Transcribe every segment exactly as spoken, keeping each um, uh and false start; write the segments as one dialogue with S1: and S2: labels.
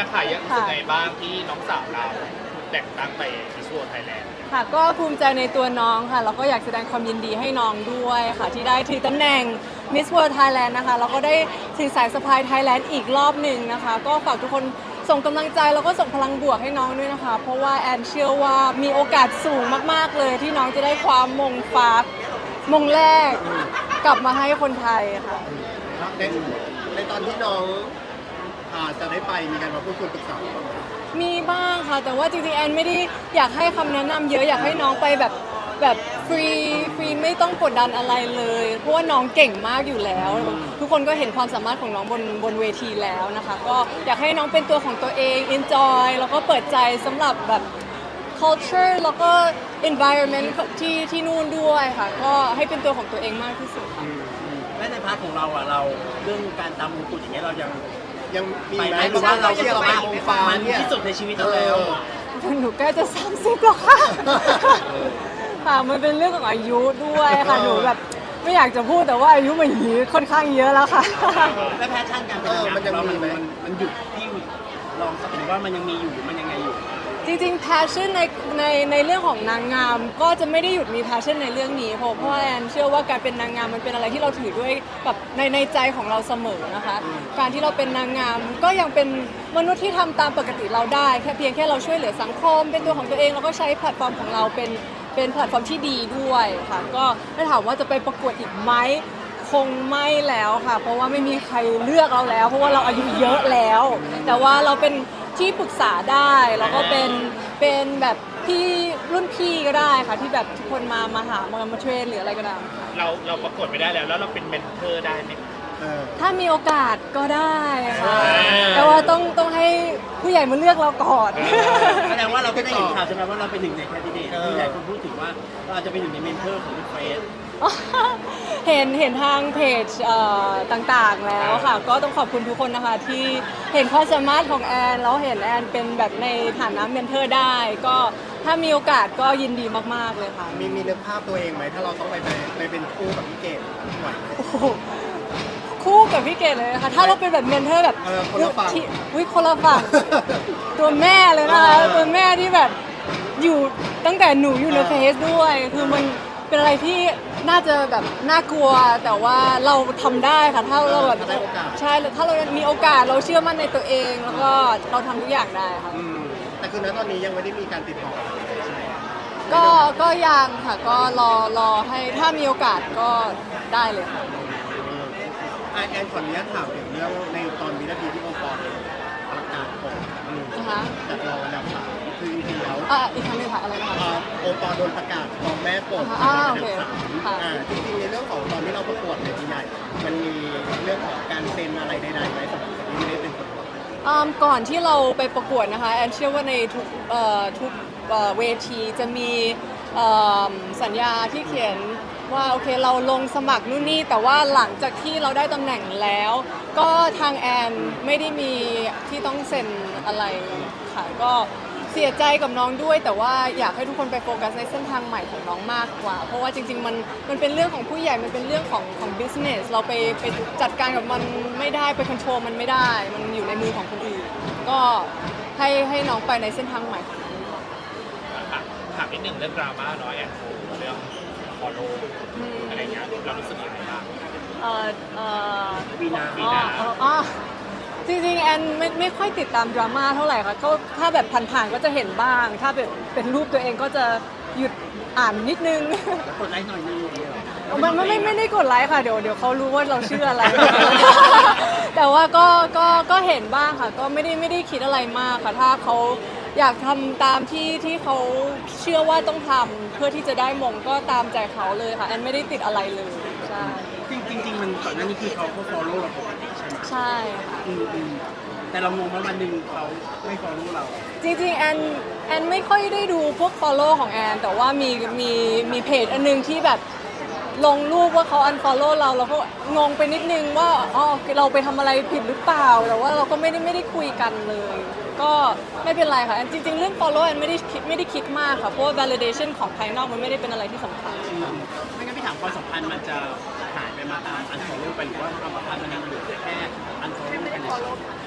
S1: อะค่ะยังรู้สึกไงบ้างที่น้องสาวเราแต่งตั้งไปมิส World ไทยแลนด์
S2: ค่ะก็ภูมิใจในตัวน้องค่ะแล้วก็อยากแสดงความยินดีให้น้องด้วยค่ะที่ได้ถือตำแหน่ง Miss World Thailand นะคะแล้วก็ได้ถือสายสะพาย Thailand อีกรอบหนึ่งนะคะก็ฝากทุกคนส่งกำลังใจแล้วก็ส่งพลังบวกให้น้องด้วยนะคะเพราะว่าแอนเชื่อว่ามีโอกาสสูงมากๆเลยที่น้องจะได้ความมงฟ้ามงแรกกลับมาให้คนไทยค่ะ
S3: ในในตอนที่น้องอ่าจะได้ไปมีการมาพูดคุยปรึกษา
S2: มีบ้างค่ะแต่ว่าจริงๆแอนไม่ได้อยากให้คำแนะนำเยอะอยากให้น้องไปแบบแบบฟรีฟรีไม่ต้องกดดันอะไรเลยเพราะว่าน้องเก่งมากอยู่แล้ว ทุกคนก็เห็นความสามารถของน้องบนบนเวทีแล้วนะคะก็อยากให้น้องเป็นตัวของตัวเอง enjoy แล้วก็เปิดใจสำหรับแบบ culture แล้วก็ environment ที่ที่นู่นด้วยค่ะก็ให้เป็นตัวของตัวเองมากที่สุดค่ะ
S4: และในพาร์ทของเราอ่ะเราเรื่องการตามมงกุฎอย่างเงี้ยเรายัง
S3: ยังมี
S4: ไป
S3: ไห
S4: ไห
S3: ม
S4: ม
S3: หรือว่าเราเชื่อว่าองฟ้า
S4: มัน
S3: เนี่ย
S4: ที่สุดในชีวิตเราแล้ว
S2: หนูใกล้จะสามสิบแล้วค่ะ ค่ะ มันเป็นเรื่องของอายุด้วยค่ะ หนูแบบไม่อยากจะพูดแต่ว่าอายุมันหีค่อนข้างเยอะแล้วค่ะ
S4: และแพชชั่นการเป็นนางงามของเรามันมันมันหยุดที่ลองสักหรือว่ามันยังมีอยู่หรือมันยังไงอยู่
S2: จริงๆ passion ในในในเรื่องของนางงามก็จะไม่ได้หยุดมี passion ในเรื่องนี้เพราะเพราะว่าแอนเชื่อว่าการเป็นนางงามมันเป็นอะไรที่เราถือด้วยแบบในในใจของเราเสมอนะคะ การที่เราเป็นนางงามก็ยังเป็นมนุษย์ที่ทำตามปกติเราได้แค่เพียงแค่เราช่วยเหลือสังคม เป็นตัวของตัวเองแล้วก็ใช้แพลตฟอร์มของเราเป็นเป็นแพลตฟอร์มที่ดีด้วยค่ะก็ถ้าถามว่าจะไปประกวดอีกไหมคงไม่แล้วค่ะ เพราะว่าไม่มีใครเลือกเราแล้ว เพราะว่าเราอายุเยอะแล้ว แต่ว่าเราเป็นที่ปรึกษาได้แล้วก็เป็นเป็นแบบพี่รุ่นพี่ก็ได้ค่ะที่แบบทุกคนมามาหามามาเทรนหรืออะไรก็ได้
S1: เราเราประกวดไม่ได้แล้วแล้วเราเป็นเมนเทอร์ได้ไหม
S3: เออ
S2: ถ้ามีโอกาสก็ได้ค่ะ
S1: อ่า
S2: แต่ว่าต้องต้องให้ผู้ใหญ่มาเลือกเราก่อน
S4: แสดงว่าเราก็ได้เห็นข่าวใช่ไหมว่าเราเป็นหนึ่งในแคนดิเดตที่หลายคนพูดถึงว่าเราอาจจะเป็นหนึ่งในเมนเทอร์ของเฟส
S2: เห็นเห็นทางเพจเอ่อต่างๆแล้วค่ะ ก็ต้องขอบคุณทุกคนนะคะที่เห็นความสามารถของแอนแล้วเห็นแอนเป็นแบบในฐานะเมนเทอร์ได้ ก็ถ้ามีโอกาสก็ยินดีมากๆเลยค่ะ
S3: มีมีนึกภาพตัวเองไหมถ้าเราต้องไปไปไปเป็นคู่กับพี่เกดไหวไหม
S2: โอ้โหคู่กับพี่เกดเลยนะคะถ้าเราเป็นแบบเมนเทอร์แบบ
S3: เออคนละฝั่ง
S2: ที่วิคนละฝั่ง ตัวแม่เลยนะคะตัวแม่ที่แบบอยู่ตั้งแต่หนูอยู่ในเฟซด้วย คือมันเป็นอะไรที่น่าจะแบบน่ากลัว แต่ว่าเราทำได้ค่ะถ้าเราแบบ
S3: ถ้าได้โอกาส
S2: ใช่ถ้าเรามีโอกาสเราเชื่อมั่นในตัวเอง แล้วก็เราทำทุกอย่างได้ค่ะ
S3: อืมแต่คือณตอนนี้ยังไม่ได้มีการติดต่ออะไรใช่ไหม
S2: ก็ก็ยังค่ะก็รอรอให้ถ้ามีโอกาสก็ได้เลยค่ะ
S3: อ่ะแอนขออนุญาตถามถึงเรื่องในตอนวินาทีที่โอปอลประกาศผลอืม
S2: นะคะ
S3: จากรองอันดับสามคือจริงๆแล้ว
S2: อ่ะอีกครั้งหนึงค่ะอะไรนะคะ
S3: อ่าโอปอลโดนประกาศรองแม่ปลด
S2: อ่า
S3: อัน
S2: โอ
S3: ดับ
S2: เค
S3: สาม
S2: ค่ะ
S3: อ่าจริงๆในเรื่องของตอนที่เราประกวดในทีใหญ่มันมีเรื่องของการเซ็นอะไรใดๆไหมสำหรับคนที่ไม่ได้เป็นคนประกวด
S2: อืมก่อนที่เราไปประกวดนะคะแอนเชื่อว่าในทุกเอ่อทุกเอ่อเวทีจะมีเอ่อสัญญาที่เขียนว่าโอเคเราลงสมัครนู่นนี่แต่ว่าหลังจากที่เราได้ตำแหน่งแล้ว ก็ทางแอนไม่ได้มีที่ต้องเซ็นอะไรค่ะก็เสียใจกับน้องด้วย แต่ว่าอยากให้ทุกคนไปโฟกัสในเส้นทางใหม่ของน้องมากกว่า เพราะว่าจริงๆมันมันเป็นเรื่องของผู้ใหญ่มันเป็นเรื่องของของ business เราไปไปจัดการกับมันไม่ได้ไป control มันไม่ได้ มันอยู่ในมือของคนอื่น ก็ให้ให้น้องไปในเส้นทางใหม่ของน้องดีกว่า
S1: ถามถามนิดหนึ่งเรื่องดราม่าน้อยแอนโฟเรื่องฟอลโล่อะไรเงี้ยเรารู้สึกยังไงบ้าง
S2: เอ่อเอ่อ
S4: วีนา
S1: วี
S2: อ๋อ
S1: นา
S2: อ๋ออ๋อจริงๆแอนไม่ไม่ค่อยติดตามดราม่าเท่าไหร่ค่ะก็ถ้าแบบผ่านๆก็จะเห็นบ้าง ถ้าแบบเป็นรูปตัวเองก็จะหยุดอ่านนิดนึง
S4: แล้วกดไลค์หน่อยนึงอย่างเงี้ยเหรอ
S2: มันไม่ไม่ไม่ได้กดไลค์ค่ะเดี๋ยวเดี๋ยวเขารู้ว่าเราชื่ออะไร แต่ว่าก็ก็ก็เห็นบ้างค่ะ ก็ไม่ได้ไม่ได้คิดอะไรมากค่ะ ถ้าเขาอยากทำตามที่ที่เขาเชื่อว่าต้องทำเพื่อที่จะได้มงก็ตามใจเขาเลยค่ะแอนไม่ได้ติดอะไรเลยใช่
S4: จริงๆจริงๆมันก่อนหน้านี้คือเขาก็ follow เราปกติใช่ไหม
S2: ใช่ค่ะ
S4: อืมอืมแต่เรางงว่าวันหนึ่งเขาไม่ follow เรา
S2: จริงๆแอนแอนไม่ค่อยได้ดูพวก follow ของแอนแต่ว่ามีมีมีเพจอันนึงที่แบบลงรูปว่าเขา unfollow เราเราก็งงไปนิดนึงว่าอ๋อเราไปทำอะไรผิดหรือเปล่าแต่ว่าเราก็ไม่ได้ไม่ได้คุยกันเลย ก็ไม่เป็นไรค่ะแอนจริงๆ เรื่อง follow แอนไม่ได้คิดไม่ได้คิดมากค่ะเพราะว่า validation ของภายนอกมันไม่ได้เป็นอะไรที่สำคัญ
S4: อืมไม่งั้นพี่ถามความสัมพันธ์มันจะหายไปมาตาม unfollow ไปหรือว่าความสัมพันธ์มันยังอยู่แต่แค่ unfollow กันเฉย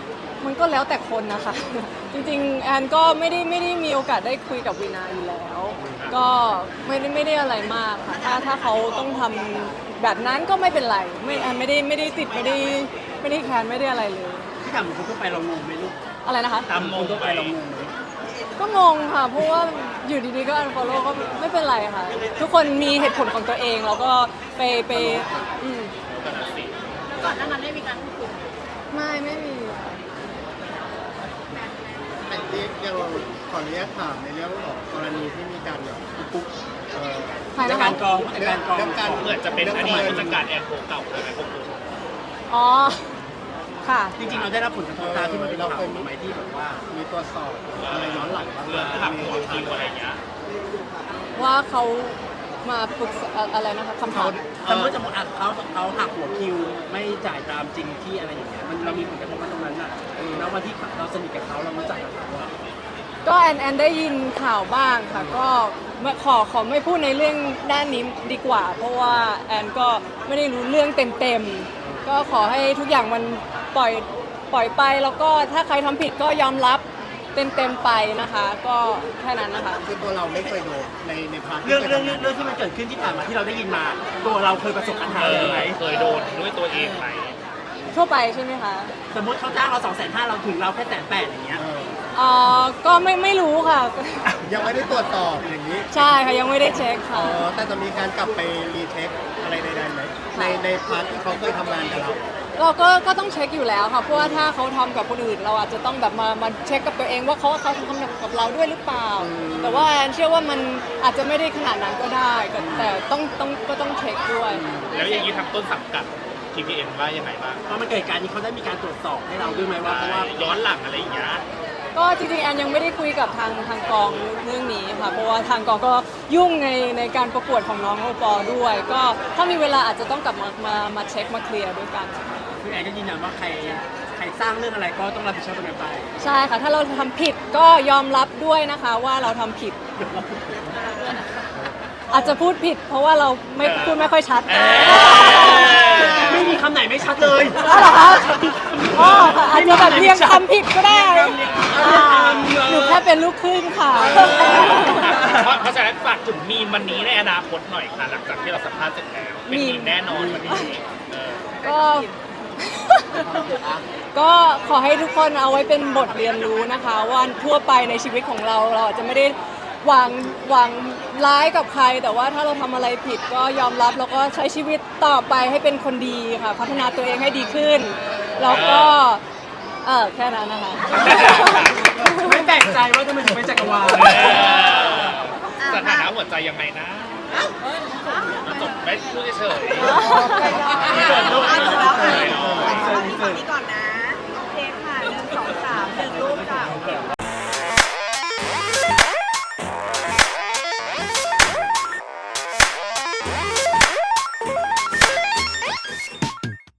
S2: มันก็แล้วแต่คนนะคะ จริงๆแอนก็ไม่ได้ไม่ได้มีโอกาสได้คุยกับวีนาอยู่แล้ว ก็ไม่ได้ไม่ได้อะไรมากค่ะถ้าถ้าเขาต้องทำแบบนั้นก็ไม่เป็นไรไม่แอนไม่ได้ไม่ได้ติดไม่ได้ไม่ได้แค้นไม่ได้อะไรเลย
S4: ที่ถามคนทั่วไปเรางงไหมลูก
S2: อะไรนะคะ
S4: ตามคนทั่วไปเรางงไหม
S2: ก็งงค่ะ เพราะว่าอยู่ดีๆก็ unfollow ก็ไม่เป็นไรค่ะ ทุกคนมีเหตุผลของตัวเองแล้วก็ไปไปอืม
S5: ก่อนหน้านั้นได้มีการพูดคุย
S2: ไม่ไม่มี
S3: แต่ที่ยังขออนุญาตถามในเรื่องของกรณีที่มีการแบบปุ๊บเอ่อ
S2: ใคร
S4: จาก
S2: นะ
S4: กา
S2: คะ
S4: รกองจากการกอง
S3: เรื่องการ
S1: เหมือนจะเป็นอดีตผู้จัดการแอนโคเก่าเลยไหมพวกคุณ
S2: อ๋อ ค่ะ
S4: จริงๆเราได้รับผลกระทบตามที่มันเป็นข่าวมาไหมที่แบบว่า
S3: มีตรวจสอบอะไรย้อนหลังบ้างไหม
S1: เรื่องหักหัวคิวอะไรเงี้ย
S2: ว่าเขามาปรึกษาอะไรนะคะคำถาม
S4: สมมติจะอัดเขาเขาหักหัวคิวไม่จ่ายตามจริงที่อะไรอย่างเงี้ยมันเรามีผลกระทบมาตรงนั้นน่ะแล้ววันที่เราสนิทกับเขาเรารู้จักกับเขาอะ
S2: ก็แอนแอนได้ยินข่าวบ้างค่ะ ก็ไม่ขอขอไม่พูดในเรื่องด้านนี้ดีกว่า เพราะว่าแอนก็ไม่ได้รู้เรื่องเต็มๆ ก็ขอให้ทุกอย่างมันปล่อยปล่อยไป แล้วก็ถ้าใครทำผิดก็ยอมรับเต็มๆไปนะคะ ก็แค่นั้นนะคะ
S3: คือตัวเราไม่เคยโดนในในพาร์ทที่
S4: เรื่อง
S3: คย
S4: เรื่อง
S3: ทำา
S4: เรื่องที่มันเกิดขึ้นที่ผ่านมาที่เราได้ยินมา ตัวเราเคยประสบปัญหา
S1: เอ
S4: อะไร
S1: อ
S4: ไหม
S1: เคยโดนด้วยตัวเองไหม
S2: ทั่วไปใช่ไหมคะ
S4: สมมติเขาจ้างเราสองแสนห้าเราถึงเราแค่แสนแปดอย่างเงี้ย
S3: เออ
S2: เอ่อก็ไม่ไม่รู้ค่ะ
S3: ยังไม่ได้ตรวจสอบอย่างนี้
S2: ใช่ค่ะยังไม่ได้เช็ค
S3: อ๋
S2: ค่ะ
S3: อแต่จะมีการกลับไปรีเช็คอะไรใดๆไหมในในพาร์ทที่เขาเคยทำงานกับเรา
S2: เราก็ก็ต้องเช็คอยู่แล้วค่ะ เพราะว่าถ้าเขาทำกับคนอื่น เราอาจจะต้องแบบมามาเช็คกับตัวเองว่าเขาเขาทำกับเราด้วยหรือเปล่า
S3: อืม
S2: แต่ว่าแอนเชื่อว่ามันอาจจะไม่ได้ขนาดนั้นก็ได้ก็แต่ต้องต้องก็ต้องเช็คด้วย
S1: แล้วอย่างนี้ทางต้นสังกัด ที พี เอ็น ว่ายังไงบ้าง
S4: เพราะมันเกิดการนี้เขาได้มีการตรวจสอบให้เราด้วยไหมว่าเพราะว่า
S1: ย้อนหลังอะไรอย่างเงี้ย
S2: ก็จริงๆแอนยังไม่ได้คุยกับทางทางกองเรื่องนี้ค่ะ เพราะว่าทางกองก็ยุ่งในในการประกวดของน้องโอปอล์ด้วย ก็ถ้ามีเวลาอาจจะต้องกลับมามามาเช็คมาเคลียร์ด้วยกัน
S4: คือแอนก็ยืนยันว่าใครใครสร้างเรื่องอะไรก็ต้องรับผิดชอบตรงนั้นไป
S2: ใช่ค่ะ ถ้าเราทำผิดก็ยอมรับด้วยนะคะว่าเราทำผิด อาจจะพูดผิด เพราะว่าเราไม่พูดไม่ค่อยชัด
S1: เออ
S4: ไม่มีคำไหนไม่ชัดเลย
S2: อ๋อเหรอคะอ๋อค่ะอาจจะแบบเรียงคำผิดก็ได้อ่าหนูแค่เป็นลูกครึ่งค่ะ
S1: เพราะเพราะฉะนั้นฝากถึงมีมวันนี้ในอนาคตหน่อยค่ะหลังจากที่เราสัมภาษณ์เสร็จแล้วเป็นมีมแน่นอนวันนี้เออ
S2: ก็ ก็ขอให้ทุกคนเอาไว้เป็นบทเรียนรู้นะคะ ว่าทั่วไปในชีวิตของเราเราอาจจะไม่ได้หวังหวังร้ายกับใคร แต่ว่าถ้าเราทำอะไรผิดก็ยอมรับแล้วก็ใช้ชีวิตต่อไปให้เป็นคนดีค่ะ พัฒนาตัวเองให้ดีขึ้น แล้วก็เออแค่นั้นนะคะ
S4: ไม่แปลกใจว่าทำไมถึงเป็นจักรวาล
S1: เออสถานะหัวใจยังไงนะจบไม่พูดเฉยๆ
S5: อ่ะจบแล้วค่ะจบแล้วค่ะฝั่งนี้ก่อนนะ